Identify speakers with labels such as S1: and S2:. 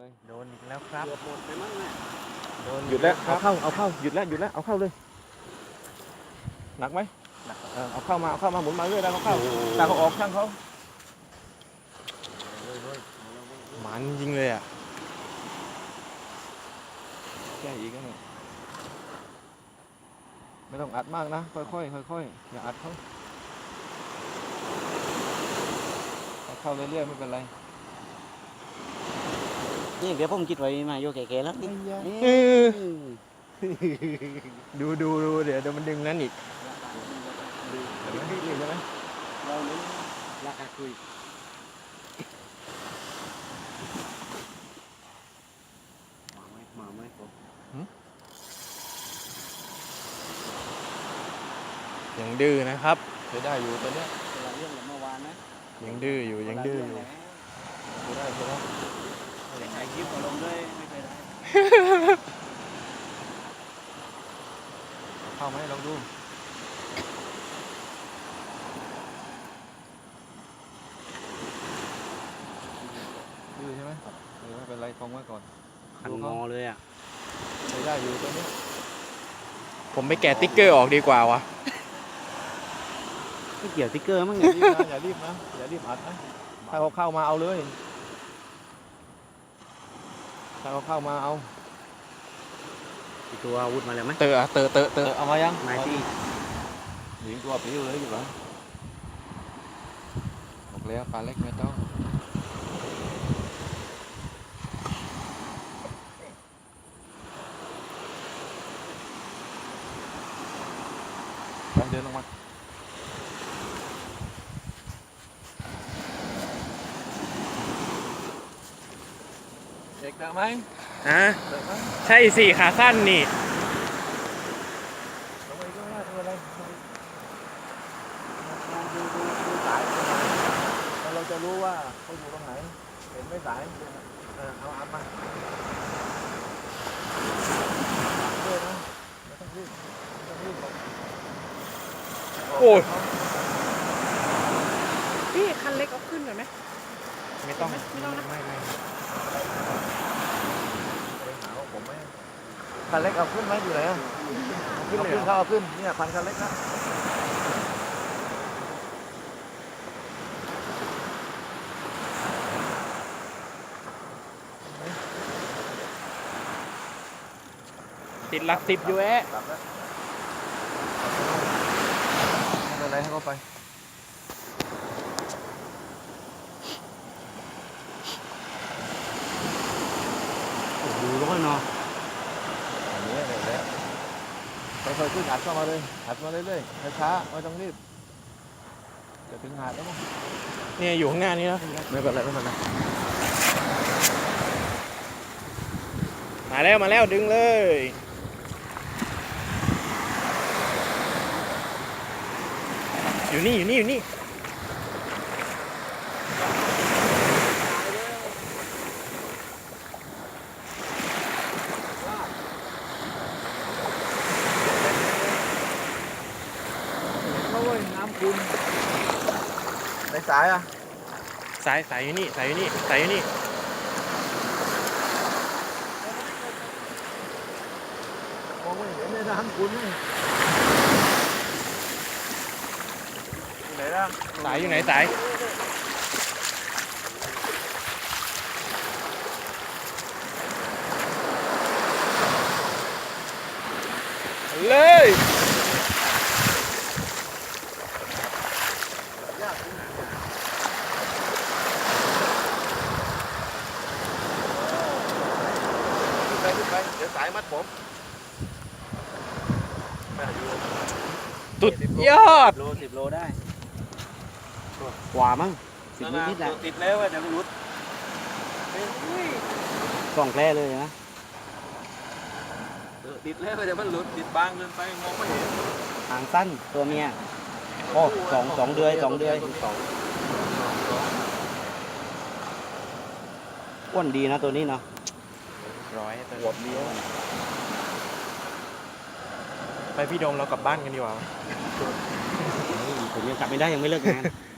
S1: เลยโดนอีกแล้วครับ
S2: เกือบหมดไปมั้งเนี่ย
S1: โดน
S3: หยุดแล้ว
S1: ครั
S3: เอา
S1: บ
S3: เข้าหยุดแล้วเอาเข้าเลยหนักไหมเอาเข้ามาหมุนมาเรื่อยแล้วเข้าตาเขาออกช่างเขาหมันจริงเลยอ่ะแค่อีกแล้วเนี่ยไม่ต้องอัดมากนะค่อยๆอย่าอัดเขาเอาเข้าเรื่อยๆไม่เป็นไร
S2: นี่เดี๋ยวผมคิดไว้มาโยแก่ๆแล้วนี่
S3: ดูเดี๋ยวมันดึงนั้นอีกเห็นไหมรีบใช่ไหม
S2: เราเน้นราคาคุยมาไหมผม
S3: ยังดื้อนะครับใช้ได้อยู่ตัวเนี้ย
S2: เวลาเรื่องเมื่อวานนะ
S3: ยังดื้ออยู่ใช้ได้
S2: แต่ถ่ายคลิปก็ลงด้วยไม่เคยได้
S3: เข้าไหมลองดูดื้อใช่ไหมไม่เป็นไรคงไว้ก่อน
S2: ขันงอเลยอ่ะ
S3: ใช้ได้อยู่ตัวเนี้ยผมไปแกะติ๊กเกอร์ออกดีกว่าวะ
S2: ไม่เกี่ยวติ๊กเกอร์มั้ง
S3: อย่ารีบอัดนะถ้าเขาเข้ามาเอาเลยถ้าเขาเข้ามาเอา
S2: ตัวอาวุธมาแล้วไหม
S3: เตอะเอามายัง
S2: ไม้ที่
S3: ยิงตัวปิ้วเลยอยู่เหรอบอกแล้วปลาเล็กไม่ต้องไปเดินลงมาเด็กเตะไหม
S1: ฮะ
S3: เตะไหม
S1: ใช่สิขาสั้นนี่
S3: ลงไปก็ได้ไม่เป็นไรแล้วเราจะรู้ว่าเขาอยู่ตรงไหนเห็นไม่สายเอาอัพมาด้วยนะไม่ต้องรีบหรอก
S1: โอ้ย
S4: พี่คันเล็กเอาขึ้นหน่อยไหม
S3: ไม่ต้อง
S4: ไม่ต้องนะ
S3: ไม่ไปหาว่าผมไม่คันเล็กเอาขึ้นไหมอยู่ไหนอ่ะเอาขึ้นเขาเอาขึ้นเนี่ยพันคันเล็กนะ
S1: ติดหลักสิบอยู่แอะ
S3: หลับแล้วไม่เป็นไรให้เขาไป
S2: โอ้โหร้อนเนาะ
S3: อันนี้เลยแล้วค่อยๆขึ้นอัดเข้ามาเลยอัดมาเรื่อยๆช้าๆไม่ต้องรีบจะถึงหาดแล้วมั้ง
S1: เนี่ยอยู่ข้างหน้านี้แล้ว
S3: ไม่เป็นไรไม่เป็นไร
S1: มาแล้วดึงเลยอยู่นี่
S3: โอ้ยน้ำคุณในสายอ่ะ
S1: สายอยู่นี่
S3: มองไม่เห็นในน้ำคุณนี่ไหนล่ะ
S1: สายอยู่ไหนสายเลย
S3: ขึ้นไปเดี๋ยวสายมัดผมไม่อยู่
S1: สุดยอด
S2: 10 โลได้กว่ามั้ง10 นิดๆนะ
S3: ติดแล้วเดี๋ยวมันรุด
S2: กล่องแคร่เลยนะ
S3: ติดแล้วเดี๋ยวมันหลุดติดบางเกินไปมองไม่เห็น
S2: หางสั้นตัวเมียโอ้สองเดือยอ้วนดีนะตัวนี้เนาะ
S1: ร้อย
S3: หัวเลี้ยว
S1: ไปพี่โดมเรากลับบ้านกันดีกว่า
S2: ผมยังกลับไม่ได้ยังไม่เลิกงาน